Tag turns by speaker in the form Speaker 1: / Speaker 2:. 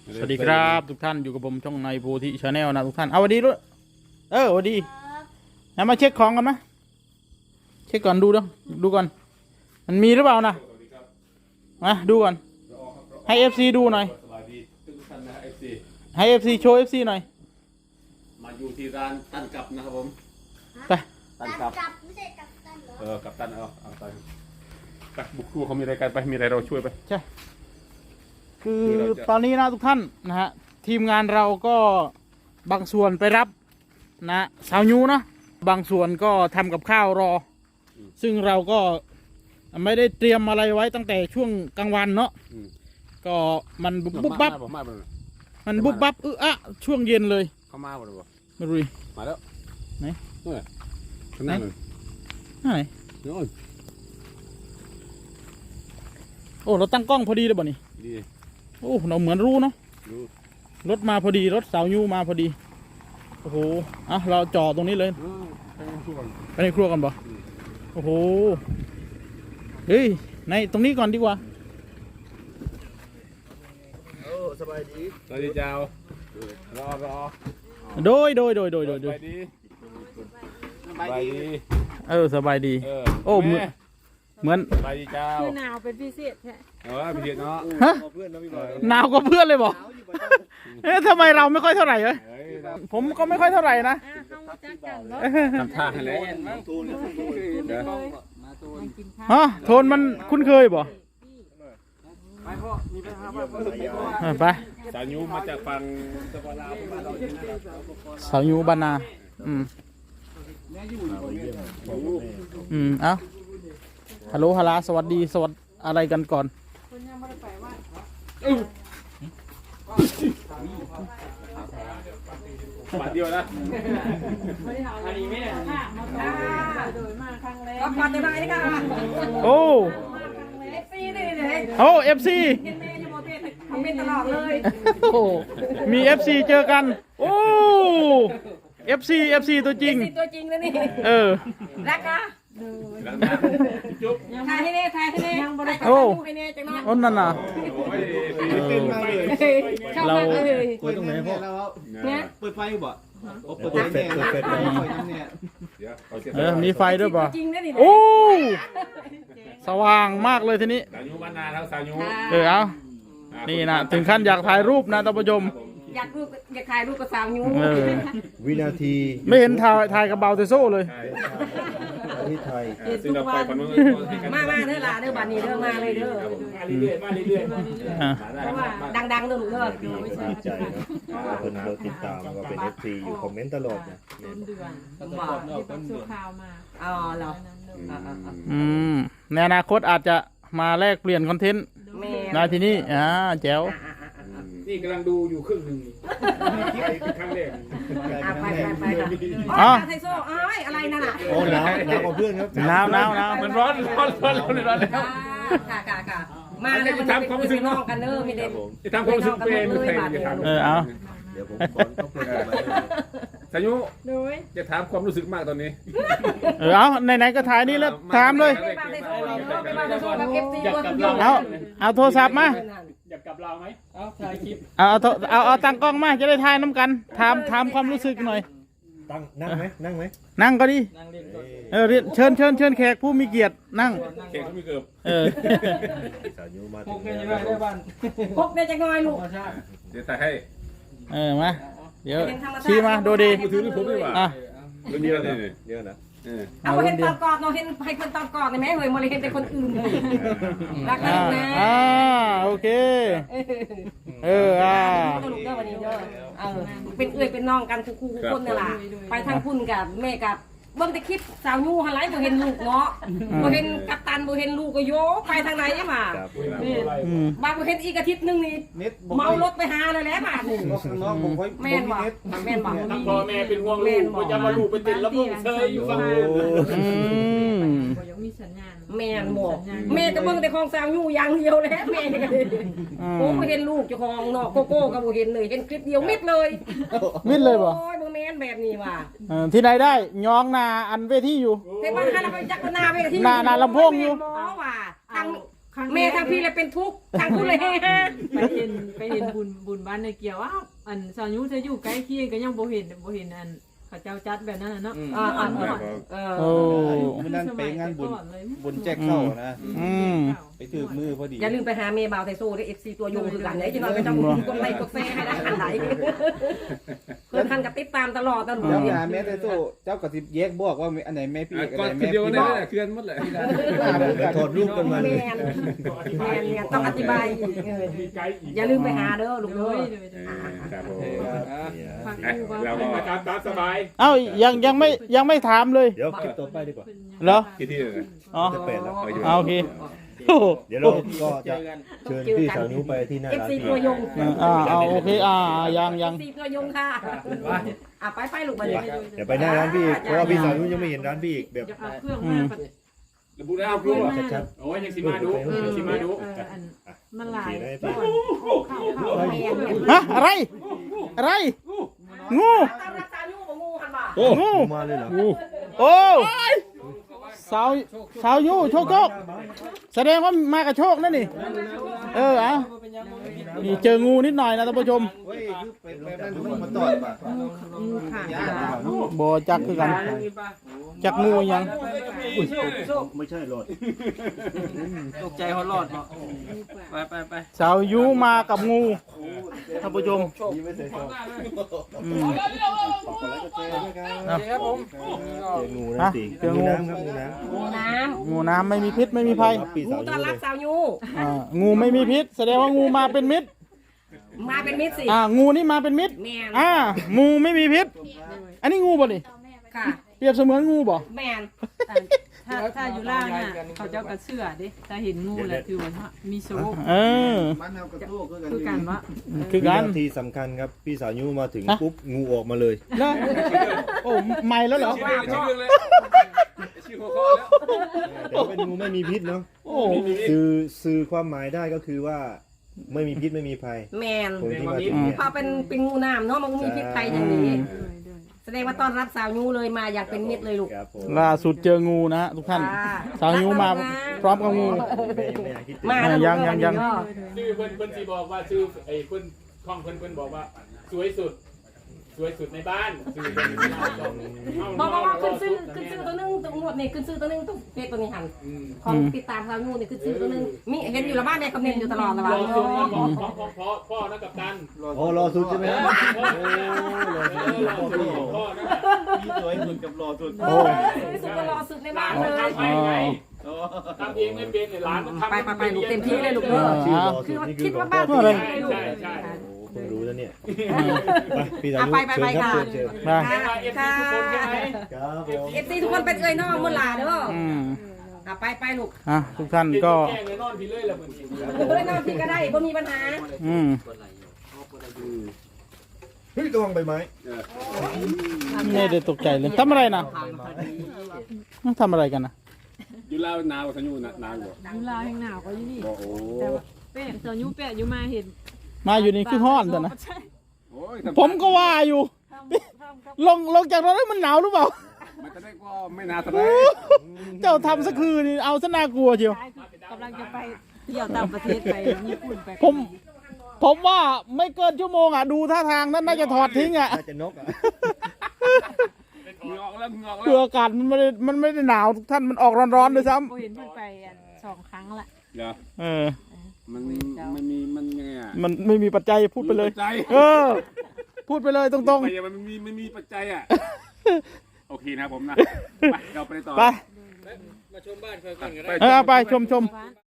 Speaker 1: สวัสดีครับทุกท่านอยู่กับผมช่องในโพธิชาแนลนะทุกท่านเอาวันดีด้วยวันดีนะมาเช็คของกันนะเช็คก่อนดูก่อนมันมีหรือเปล่านะมาดูก่อนให้ FC ดูหน่อยให้ FC โชว์ FC หน่อย
Speaker 2: มาอยู่ที่ร้านตั้นกับนะครับผม
Speaker 1: ไป
Speaker 2: ตั้นกับ
Speaker 3: ไม่ใช่กับตันเหรอ
Speaker 2: กับตันเอาไปบุกครูเขามีอะไรกันไปมีอะไรเราช่วยไป
Speaker 1: ใช่คือตอนนี้นะทุกท่านนะฮะทีมงานเราก็บางส่วนไปรับนะสาวยูนะบางส่วนก็ทำกับข้าวรอซึ่งเราก็ไม่ได้เตรียมอะไรไว้ตั้งแต่ช่วงกลางวันเนาะก็มันบุบบับมันบุบบับช่วงเย็นเลย
Speaker 2: เขามาบ่หรือเปล่า
Speaker 1: ไม่รู้
Speaker 2: มาแล้ว
Speaker 1: ไหน
Speaker 2: ข้างหน้าเลย
Speaker 1: ไหน
Speaker 2: โน่น
Speaker 1: โอ้เราตั้งกล้องพอดีเลยบ่นี่
Speaker 2: ดี
Speaker 1: โอ้เราเหมือนรู้เนาะรถมาพอดีรถสาวยูมาพอดีโอ้โหเราจอดตรงนี้เลยไปในครัวกันบ่โอ้โหเฮ้ยในตรงนี้ก่อนดีกว่า
Speaker 2: สบายดีสวัสดีเจ้ารอ
Speaker 1: โดย
Speaker 2: สบายดีสบายดี
Speaker 1: สบายดีโอ้เหมือน
Speaker 2: สบายดีเจ้า
Speaker 4: คือหนาวเป็นพิเศษแท้
Speaker 2: พิเศษเนาะ
Speaker 1: หนาวกว่าเพื่อนเลยบอกทำไมเราไม่ค่อยเท่าไหร่เลยผมก็ไม่ค่อยเท่าไหร่นะ
Speaker 2: ทำท่าแล้ว
Speaker 1: โทนมันคุ้นเคยบ่ไป
Speaker 2: สาวยูมาจากฝั่งสปปลาว
Speaker 1: สาวยูบ้านนาเอ้าฮัลโหลฮัลโหลสวัสดีสวัสดีอะไรกันก่อน
Speaker 2: บาทเดียวนะ
Speaker 4: อันนี้ไม่ได้โดยมาครั้งแรกก็มาได้กัน
Speaker 1: โอ้เอฟซี
Speaker 4: ทำเป็นตลอดเลย
Speaker 1: โอ้มี FC เจอกันโอ้ FC ตัวจริง
Speaker 4: ตัวจริงแล้วนี่รักนะถ่ายให้เน่ยังบริการให้เน่จังนะ
Speaker 1: นั่นน่ะเรา
Speaker 5: คุยตรงไหนพ่อเนี่ยเปิดไฟบ่เปิดไฟ
Speaker 1: มีไฟด้วยป่ะโอ้สว่างมากเลยทีนี้
Speaker 2: สาวยูบ้านนาทั้งสาวยู
Speaker 1: เอานี่นะถึงขั้นอยากถ่ายรูปนะท่านผู้ชม
Speaker 4: อยากถ่ายรูปกับสาวยู
Speaker 5: วินาที
Speaker 1: ไม่เห็นถ่ายกับเบาเตโซ่เลย
Speaker 5: ที่ไทย
Speaker 2: ซึ่งเราไปคนนู้น
Speaker 4: มาเด้อล่ะเด้อบ้านนี้เด้อมาเลยเด้อ
Speaker 2: มาเรื่อย
Speaker 4: ดังเด้อลูกเด้อ
Speaker 5: ดีใจนะคนเราติดตามก็เป็น FC อยู่คอมเมนต์ตลอดนะ
Speaker 4: เดือนสู้ข่าวมาเหรอ
Speaker 1: ในอนาคตอาจจะมาแลกเปลี่ยนคอนเทนต์ในที่นี่แจ๋ว
Speaker 2: นี่กำลังดูอยู่ครึ่งหนึ่งครั้งแรก
Speaker 4: ไปไทโซ่อะไรนั่นน่ะ
Speaker 5: โอ้หนาวกว่าเพื่อนครับ
Speaker 1: หนาว
Speaker 2: มันร้อนแล้ว
Speaker 4: ค่ะมาแล้วมันทำความรู้สึกน้องกันเด้อมีเด็ก
Speaker 2: จะทำความรู้สึกเป็น
Speaker 1: เอา
Speaker 5: เดี๋ยวผมก่อนต้องพูดมา
Speaker 2: สายุจะถามความรู้สึกมากตอนนี้
Speaker 1: เอาไหนๆก็ถ่ายนี่แล้วถามเลยเอาโทรศัพท์มา
Speaker 2: อยากกลับเราไหมถ่ายคลิป
Speaker 1: เอาตั้งกล้องมาจะได้ถ่ายน้ำกันถามความรู้สึกหน่อย
Speaker 5: นั่งไหม
Speaker 1: นั่งก็ดีเชิญแขกผู้มีเกียรตินั่ง
Speaker 2: แขกผู้มีเกียรติ
Speaker 5: สาวยูมาถึง
Speaker 4: พกได้จะง่อยลูก
Speaker 2: เดี๋ยวถ่ายให้
Speaker 1: มาเดี๋ยวชี้มาดูดี
Speaker 2: ถือนี่ผมดีกว่าเรื่องนี้อะไร
Speaker 5: เยอะนะ
Speaker 4: เอาเห็นตอนกอดเราเห็นให้คนตอนกอดได้ไหมเฮ้ยมาเลยเห็นแต่คนอื่นรักกันนะ
Speaker 1: โอเค
Speaker 4: เป็นเป็นน้องกันคู่คนนี่แหละไปทางคุณกับแม่กับเบิ่งแต่คลิปสาวยูหันไหลบ่เห็นลูกเนาะบ่เห็นกัปตันบ่เห็นลูกก็โยไปทางไหนมาบางบ่เห็นอีกอาทิตย์นึงนี่เมารถไปหาเลยแหละบาดนี่แม่นบ่
Speaker 2: พ่อแม่เป็นห่วงลูกบ่จะมาลูกไปติดแล้วมึงเชยอยู่ฝั่งนู้น
Speaker 4: แม่นบ่แม่ก็เบิ่งแต่ของสาวยูอย่างเดียวแหละแม่โอ้บ่เห็นลูกเจ้าของเนาะโกโก้ก็บ่เห็นเลยเห็นคลิปเดียวมิดเลย
Speaker 1: บ่
Speaker 4: โอ้ยบ่แม่นแบบนี้ว่ะ
Speaker 1: ที่ไหนได้ยองนาอันเวทีอยู่
Speaker 4: แต่บ้านเราไปจักนาเวที
Speaker 1: นาลำโพงอยู่
Speaker 4: ว่าทางแม่ทางพี่เลยเป็นทุกข์ทางคุณเลยเฮฮา
Speaker 3: ไปเห็นบุญบ้านในเกี่ยวอันสาวยุจะอยู่ใกล้เคียงก็ยังบ่เห็นอันเขาเจ้าจัดแบบนั้นเนาะ
Speaker 1: โอ้
Speaker 6: มันนั่นไปงานบุญแจกเข้านะ ไปถือมือพอดี
Speaker 4: อย่าลืมไปหาเมย์บาวไทโซ่ด้วยFC ตัวยงคือกันไหนที่เราไปต้องกดไลค์กดแชร์ให้ได้อันไหนเพื่อนทันกับติดตามตลอดตลอด
Speaker 6: เจ้าหาแม่แต่โซ่เจ้าก็สิแยกบอกว่าอันไหนแม่พี่อัน
Speaker 2: ก่อน
Speaker 6: ไหน
Speaker 2: คน
Speaker 6: แม่
Speaker 2: เดียว
Speaker 6: พี่
Speaker 2: ได้แหละเคลื่อนหมดเลย
Speaker 5: ถอดรูปกันมาเลย
Speaker 4: แมนเนี่ยต้องอธิบายอย่าลืมไปหาเด้อลูกเด้อ
Speaker 2: ครับผม
Speaker 3: ฟังดูว่า
Speaker 2: เราก็ตามสบาย
Speaker 1: เอ้ายังไม่ถามเลย
Speaker 5: เดี๋ยวคลิปต่อไปดีกว่า
Speaker 1: เหรอ
Speaker 2: กี่ที่เลย
Speaker 1: อ๋อ
Speaker 5: จะเป็นแล้ว
Speaker 1: เอาโอเคโอ้โห
Speaker 5: เดี๋ยวเราก็จะเชิญพี่สาวนิ้วไปที่หน้าร้าน
Speaker 4: FC
Speaker 5: พี่
Speaker 4: ตัวยง
Speaker 1: เอาโอเคยัง
Speaker 4: FC ตัวยงค่ะไปลูกมาเลย
Speaker 5: เดี๋ยวไปหน้าร้านพี่อีกเพราะว่าพี่สาวนิ้วยังไม่เห็นร้านพี่อีกแบบ
Speaker 3: จะเอาเครื่องมา
Speaker 2: ระบุได้เอาครูอ่ะ
Speaker 5: ชัด
Speaker 2: โอ้ยยังสิมาดูสิมาดู
Speaker 3: อันมันหลาย
Speaker 1: ฮะอะไรงู
Speaker 4: ตามรักษาอยู่บ่งูหันบ่า
Speaker 1: งู
Speaker 5: ๆมาเลยเหรอ
Speaker 1: โอ้สาวยูโชคแสดงว่ามากับโชคนั่นนี่นี่เจองูนิดหน่อยนะท่านผู้ชม
Speaker 6: เฮ้ยคือไปนั่นดูมาตอดป่ะ
Speaker 3: งูค่ะ
Speaker 1: บ่จักคือกันจักงูยัง
Speaker 5: ไม่ใช่หรอด
Speaker 6: ตกใจเขารอดเนาะไป
Speaker 1: สาวยูมากับงูท่านผู้ชม
Speaker 5: นี่ไม่ใช่ซอง
Speaker 6: ครับผม
Speaker 5: เจองูนะสิงูน้ำครับงูน้
Speaker 4: งูน้
Speaker 1: งูน้ำไม่มีพิษไม่มีภัย
Speaker 5: ำครับพี่
Speaker 4: ำงู
Speaker 5: สาว
Speaker 4: ต้
Speaker 5: นิ้
Speaker 4: อน
Speaker 5: วเล
Speaker 4: รับ
Speaker 5: ย
Speaker 4: สาวยู
Speaker 1: งูไม่มีพิษ แสดงว่างูมาเป็นมิตร
Speaker 4: มาเป็นมิตรสิ
Speaker 1: งูนี่มาเป็นมิตร
Speaker 4: แมน
Speaker 1: งูไม่มีพิษ อันนี้งูบ่นี่
Speaker 4: ค่ะ
Speaker 1: เปรียบเสมือนงูบ่
Speaker 4: แมน
Speaker 3: ถ้าอยู่ล่างอ่ะเขาเจ้ากระเชื่อดิถ้าเห็นงูแหละคือว่ามีโชค
Speaker 6: มันเอากระโต้คือกัน
Speaker 3: คือกันว่า
Speaker 1: คือกัน
Speaker 5: วินาทีสำคัญครับพี่สาวนิ้วมาถึงปุ๊บงูออกมาเลย
Speaker 1: นะโอ้ใหม่แล้วเหรอ
Speaker 2: ชื่อเลยชื่อหัวข้อแล้ว
Speaker 5: แต่ว่าเป็นงูไม่มีพิษเนาะ
Speaker 1: โอ้
Speaker 5: สื่อความหมายได้ก็คือว่าไม่มีพิษไม่มีภัย
Speaker 4: แมน
Speaker 5: คนที่มาถึงเนี่ย
Speaker 4: พอเป็นงูน้ำเนาะมันก็มีพิษภัยอย่างนี้แสดงว่าต้อนรับสาวยูเลยมาอย่างเป็นมิตรเลยลูก
Speaker 5: ครับผม
Speaker 1: ล่าสุดเจองูนะฮะทุกท่าน สาวยูมาพร้อมกับงู
Speaker 5: ไม่อยากคิดถึง
Speaker 4: มาแล้ว
Speaker 1: ยัง
Speaker 2: ชื่อเพิ่นสิบอกว่าชื่อไอ้เพิ่นข้องเพิ่นบอกว่าสวยสุดในบ้านชื่อเพิ่น
Speaker 4: บอกว่าขึ้นซื้อตัวนึงตัวหมดนี่ขึ้นซื้อตัวนึงตัวเพจตัวนี้หันของติดตามสาวยูนี่ขึ้นซื้อตัวนึงมีเห็นอยู่ละบ้านแม่คำเนนอยู่ตลอดละ
Speaker 2: ร
Speaker 4: บ้า
Speaker 2: อน สุดนะพ่อนะกับตัน
Speaker 5: อ๋อรอสุดใช่ไหมครับ
Speaker 2: พ่อนะ
Speaker 6: มีสวยสุดกับรอสุด
Speaker 4: สุดก็รอสุดในบ้านเลย
Speaker 2: ทำให้ไงทำเองไม่เป็นหลานมันทำ
Speaker 4: ไปลูกเต็มที่เลยลูกเด้อ
Speaker 5: ชื่อรอสุ
Speaker 4: คื
Speaker 5: ด
Speaker 4: อว่า
Speaker 5: นี่คื
Speaker 4: คิ
Speaker 5: อ
Speaker 4: ด
Speaker 5: หลว
Speaker 4: ว่าง บ้าน
Speaker 5: พ่อ
Speaker 4: ที่
Speaker 2: ใช่
Speaker 4: ไหนลูก
Speaker 2: ใช่
Speaker 5: เพิ่งรู้แล้วเนี่ยไปพี่สาว
Speaker 4: ไป
Speaker 5: เชิญครับ
Speaker 4: ค่ะ
Speaker 5: เชิญ
Speaker 1: มา
Speaker 2: ค่ะทุกคนใช่ไหม
Speaker 5: ครับผม
Speaker 4: เอฟซีทุกคนเป็นเอ้ยน้องมุลาเด้อไปลูก
Speaker 1: ทุกท่านก็
Speaker 2: แกล้งเลยนอนพี่เลยละเหมือน
Speaker 4: เอ้ยน้องพี่ก็ได้บ่มีปัญหา
Speaker 5: เฮ้ยระวังใบไม้
Speaker 1: ไม่ได้ตกใจเลยทำอะไรนะทำอะไรกันนะ
Speaker 2: อยู่ลาวหนาวสัญญูหนาวอยู่
Speaker 3: ยุลาแห่งหนาวก็อยู่นี่
Speaker 2: โอ้
Speaker 3: แต่ว่าแป้งสาวยุแป้งอยู่มาเห็น
Speaker 1: มาอยู่นี่คือห้อนแต่นะ
Speaker 3: ใช่
Speaker 2: โอ้ย
Speaker 1: ผมก็ว่าอยู่ ลงจากรถแล้วมันหนาวหรือเปล่า
Speaker 2: มันจะได้ก็ไม่นานเท่าไหร่
Speaker 1: เจ้าทำสักคืนนี่เอาซะน่ากลัวเชียว
Speaker 3: กำลังจะไปเที่ยวต่างประเทศไปญี่ปุ่นไป
Speaker 1: ผมว่าไม่เกินชั่วโมงดูท่าทางนั้นน่าจะถอดทิ้ง
Speaker 5: น่าจะนกอ่ะ
Speaker 2: งอกแล้ว
Speaker 1: คืออากาศมันไม่ได้หนาวทุกท่านมันออกร้อนๆด้วยซ้
Speaker 3: โอ้เห็นเพิ่นไป2 ครั้งละ
Speaker 2: เดี๋ยว
Speaker 1: ำ
Speaker 2: มันยังไงอ่ะ
Speaker 1: มันไม่มีปัจจัยพูดไปเลย พูดไปเลยตรง
Speaker 2: ไปมันมีปัจจัยอ่ะโอเคนะผมนะไปเราไปต่อ
Speaker 1: ๆ ไป
Speaker 2: มาชมบ้านเพื่อนกัน
Speaker 1: ไปชม